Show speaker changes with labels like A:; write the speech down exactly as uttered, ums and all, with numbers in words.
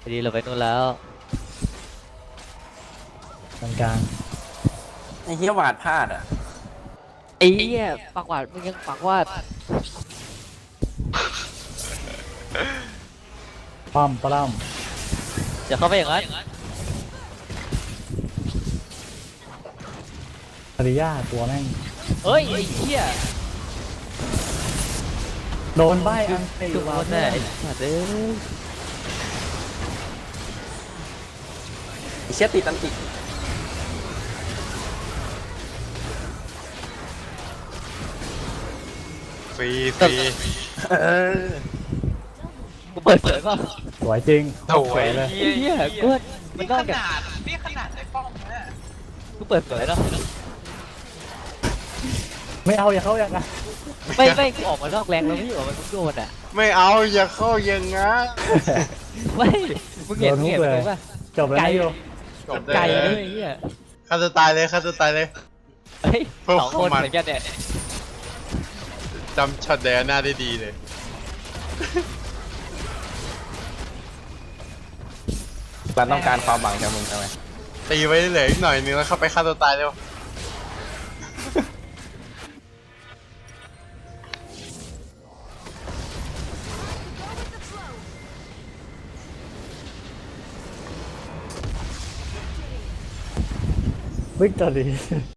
A: ดีเราไปนู่นแล้ว
B: กลางกลาง
C: ไอ้เหี้ยวาดพลาดอ่ะ
A: ไอ้เหี้ยปากหวาดมึงยังปากวาด
B: ป้อมปล้ม
A: อย่าเข้าไปอย่างนั้น
B: ภริยาตัวแม่ง
A: เฮ้ยไอ้เหี้ย
B: โดนใบอันตี
A: ทุก
B: มา
A: คน
B: เพื่
A: น่ะ
B: อน
A: ไอ้สัตว์เอ้ย
C: ไอ้เชี่ยติดตันติ
D: ฟรีฟรี
C: เออ
A: กูเปิดเผยป่ะ
B: สวยจริง
D: โถ่
B: สวยเลย
A: ไอ้เหี้ยกูว่ามัน
E: นี่
A: น
E: ข
A: อกจาก
E: นาดนี่ขนาดในป้อมนะ
A: กูเปิดเผยเนาะ
B: ไม่เอาอย่าเข้าอย่างนั้น
A: ไม่ไม่กูออกมานอกแรงแล้วไม่อยู่มันทุกโดนอ่ะ
D: ไม่เอาอย่าเข้าอยังงั้น
A: ไม่มึงเห็นมึงเห็นมันป่ะ
B: จบแล้วนะโย
D: จบ
A: ไก่
D: ได้
A: เล
D: เลย ย
A: ไอ้เหี้ย
D: ฆ่าตัวตายเลยฆ่าตัวตายเลย
A: เฮ้ย
D: เพิ่ม
A: สองคน
D: มัน
A: เหมือนกันเนี่ย
D: จำช็อตแดนหน้าได้ดีเลย
C: เราต้องการความหวังจากมึงใช่ไหม
D: ตีไว้เหลืออีกหน่อยนึงแล้วเข้าไปฆ่าตัวตายเร็ว
B: วิกตอรี